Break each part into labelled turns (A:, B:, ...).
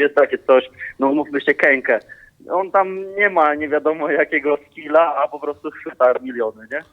A: jest takie coś, no umówmy się, Kenkę. On tam nie ma nie wiadomo jakiego skilla, a po prostu chwyta miliony, nie?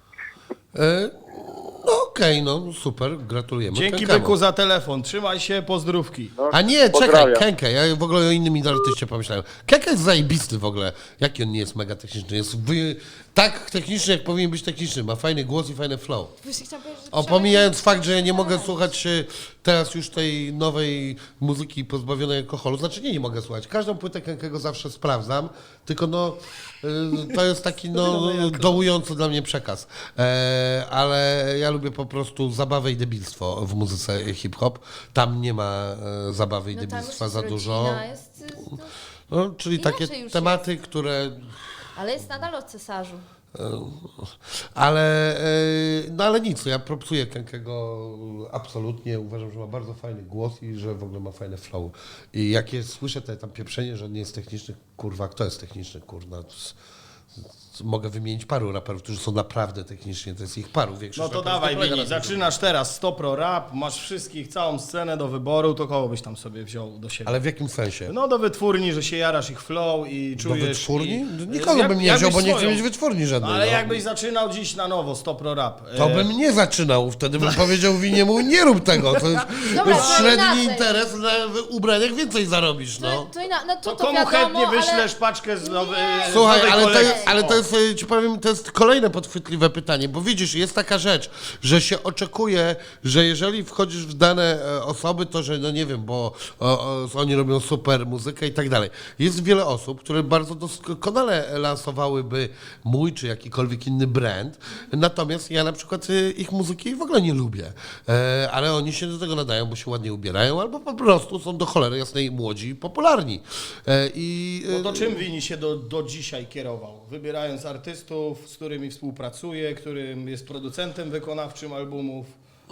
B: No okej, no super, gratulujemy.
C: Dzięki
B: Kenkemu.
C: Byku za telefon. Trzymaj się, pozdrówki.
A: No,
B: A nie, czekaj,
A: pozdrawiam.
B: Kenke, ja w ogóle o innym artyście pomyślałem. Kenke jest zajebisty w ogóle. Jaki on nie jest mega techniczny? Jest tak techniczny, jak powinien być techniczny. Ma fajny głos i fajne flow.
D: Właśnie chciałam powiedzieć, że
B: Pomijając fakt, że ja nie mogę słuchać teraz już tej nowej muzyki pozbawionej alkoholu. Znaczy nie mogę słuchać. Każdą płytę Kenkego zawsze sprawdzam, tylko no to jest taki dołujący dla mnie przekaz. Ale ja lubię po prostu zabawę i debilstwo w muzyce hip-hop. Tam nie ma zabawy i
D: no tam
B: debilstwa
D: już
B: za
D: jest
B: dużo.
D: rodzina, jest,
B: No, czyli takie
D: inaczej już
B: tematy, które...
D: ale jest nadal o cesarzu.
B: Ale nic, ja propsuję Kenkego absolutnie, uważam, że ma bardzo fajny głos i że w ogóle ma fajne flow. I jak słyszę tam pieprzenie, że on nie jest techniczny, kurwa, kto jest techniczny, kurwa? Mogę wymienić paru raperów, którzy są naprawdę techniczni, to jest ich paru.
C: No
B: Większość
C: to
B: raperów
C: dawaj,
B: nie polega
C: Wini,
B: na tym.
C: zaczynasz teraz 100 Pro Rap, masz wszystkich, całą scenę do wyboru, to kogo byś tam sobie wziął do siebie?
B: Ale w jakim sensie?
C: No do wytwórni, że się jarasz ich flow i
B: Do
C: czujesz...
B: wytwórni?
C: I...
B: Nikogo bym nie wziął, bo nie chcę
C: swoją.
B: mieć wytwórni żadnej.
C: No, ale
B: no.
C: jakbyś zaczynał dziś na nowo 100 Pro Rap.
B: To bym nie zaczynał, wtedy bym powiedział Winiemu, nie rób tego, to jest,
D: Dobra,
B: to jest
D: to
B: średni
D: inaczej.
B: interes, na ubraniach więcej zarobisz, no.
D: To
C: Komu
D: wiadomo,
C: chętnie
D: ale...
C: wyślesz paczkę z nowej...
D: Nie.
B: Słuchaj,
C: z nowej
B: ale
C: kolekcji?
B: to jest, ci powiem, to jest kolejne podchwytliwe pytanie, bo widzisz, jest taka rzecz, że się oczekuje, że jeżeli wchodzisz w dane osoby, to że, no nie wiem, bo oni robią super muzykę i tak dalej. Jest wiele osób, które bardzo doskonale lansowałyby mój czy jakikolwiek inny brand, natomiast ja na przykład ich muzyki w ogóle nie lubię, ale oni się do tego nadają, bo się ładnie ubierają, albo po prostu są do cholery jasnej młodzi i popularni.
C: No to czym Wini się do dzisiaj kierował? Wybierając artystów, z którymi współpracuje, którym jest producentem wykonawczym albumów.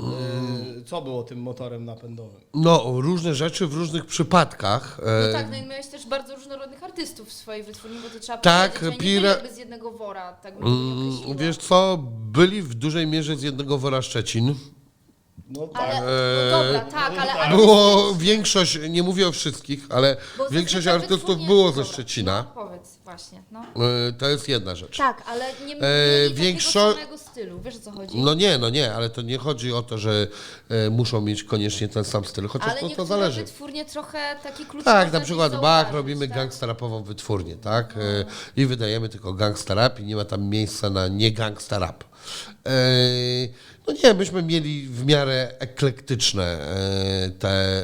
C: Co było tym motorem napędowym?
B: No, różne rzeczy w różnych przypadkach.
D: No tak, no i miałeś też bardzo różnorodnych artystów w swojej wytwórni, bo to trzeba
B: Tak,
D: powiedzieć, że nie byli jakby z jednego wora, tak bym to nie określiła.
B: Wiesz co, byli w dużej mierze z jednego wora Szczecin.
C: No tak.
D: Ale, no dobra, tak, ale...
B: Było większość, nie mówię o wszystkich, ale
D: bo
B: większość
D: zazwyczaj
B: artystów
D: wytwórnie-
B: było ze
D: dobra,
B: Szczecina.
D: No, powiedz, właśnie, no.
B: To jest jedna rzecz.
D: Tak, ale nie mieli
B: większo-
D: takiego samego stylu, wiesz o co chodzi?
B: No nie, ale to nie chodzi o to, że muszą mieć koniecznie ten sam styl, chociaż
D: ale
B: to
D: niektóre
B: zależy.
D: wytwórnie trochę taki klucz
B: Tak,
D: można
B: na przykład
D: gdzieś
B: Bach,
D: zauważyć,
B: robimy
D: tak?
B: gangsterapową wytwórnię, tak? I wydajemy tylko gangsta rap i nie ma tam miejsca na nie gangsta rap. No nie, myśmy mieli w miarę eklektyczne te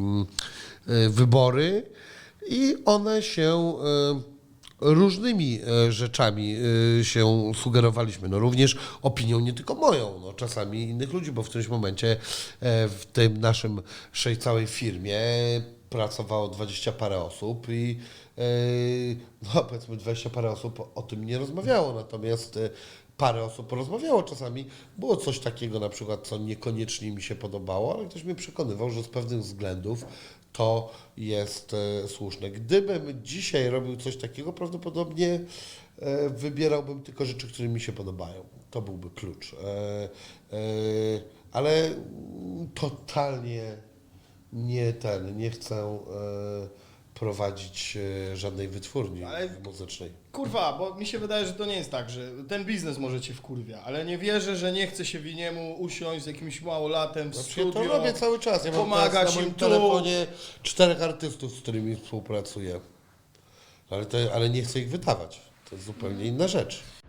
B: wybory i one się różnymi rzeczami się sugerowaliśmy. No również opinią nie tylko moją, no czasami innych ludzi, bo w którymś momencie w tym naszym całej firmie pracowało 20 parę osób i no powiedzmy 20 parę osób o tym nie rozmawiało, natomiast parę osób porozmawiało czasami. Było coś takiego na przykład, co niekoniecznie mi się podobało, ale ktoś mnie przekonywał, że z pewnych względów to jest słuszne. Gdybym dzisiaj robił coś takiego, prawdopodobnie wybierałbym tylko rzeczy, które mi się podobają. To byłby klucz. Ale totalnie nie chcę prowadzić żadnej wytwórni muzycznej.
C: Kurwa, bo mi się wydaje, że to nie jest tak, że ten biznes może cię wkurwia, ale nie wierzę, że nie chce się Winiemu usiąść z jakimś małolatem w
B: Ja
C: studio.
B: to robię cały czas. Ja mam
C: pomagać
B: teraz na
C: im
B: moim
C: tu.
B: telefonie 4 artystów, z którymi współpracuję. Ale nie chcę ich wydawać. To jest zupełnie inna rzecz.